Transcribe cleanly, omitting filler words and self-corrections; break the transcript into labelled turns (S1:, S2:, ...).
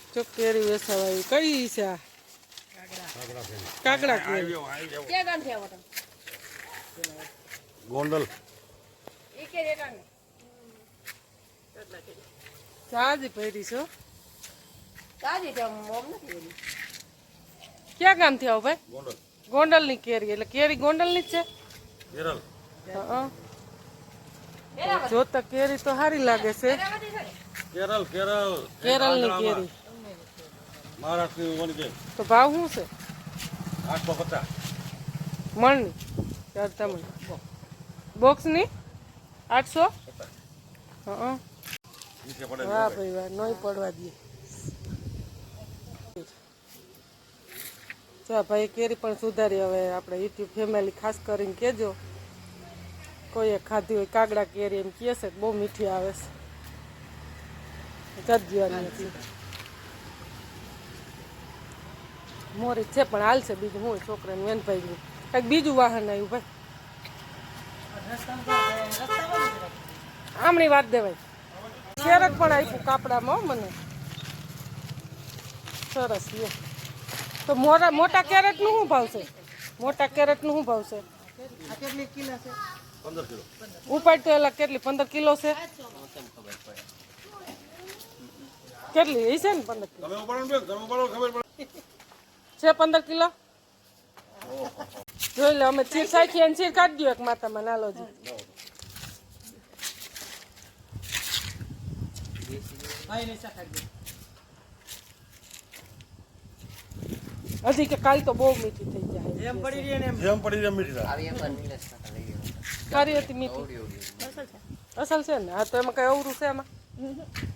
S1: જો કેરી વેસાવાય કઈ છે આ કાકડા કેરી
S2: ક્યાં ગામ છે આવો
S3: ગોંડલ
S2: ઈ કે રેટાણ
S1: સાજી પહેરી છો
S2: તાજી છે મોમ નથી એની
S1: ક્યાં ગામથી આવો ભાઈ
S3: ગોંડલ
S1: ગોંડલની કેરી એટલે કેરી ગોંડલની જ છે
S3: કેરળ
S1: હા જોતા કેરી તો સારી લાગે છે
S3: કેરળ કેરળ
S1: કેરળની કેરી
S3: મહારાષ્ટ્રની વન કે
S1: તો ભાવ શું છે
S3: 850
S1: મણની ચાલતા મણ બોક્સની 800 હા
S3: નીચે પડે
S1: વાહ ભાઈ વાહ નહીં પડવા દે ચા ભાઈ કેરી પણ સુધારી હવે આપણે યુટ્યુબ ફેમિલી ખાસ કરીને કહેજો કોઈએ ખાધી હોય કાગડા કેરી એમ કહે છે બહુ મીઠી આવે છે જજવાની હતી મોરી છે પણ હાલશે બીજું હું છોકરાને વેનભાઈ કંઈક બીજું વાહન આવ્યું ભાઈ આમની વાત દેવાય કેરેટ પણ આપ્યું કાપડામાં મને સરસ લે તો મોટા કેરેટનું શું ભાવ છે મોટા કેરેટનું શું ભાવ છે
S3: 15 કિલો
S1: ઉપાડ તો એલા કેટલી 15 કિલો છે કેટલી એ છે ને 15 કિલો
S3: તમે ઉપાડો ને તમે ઉપાડો ખબર પડે
S1: છે 15 કિલો જોઈ લે અમે ચીર સાખી અને ચીર કાઢી દો એક માતામાં નાલોજી હજી કે કાલ તો બહુ મીઠી થઈ જાય
S3: જેમ પડી રહી મીઠી થાય
S1: સારી હતી મીઠી અસલ છે ને હા તો એમાં કઈ અવરું છે એમાં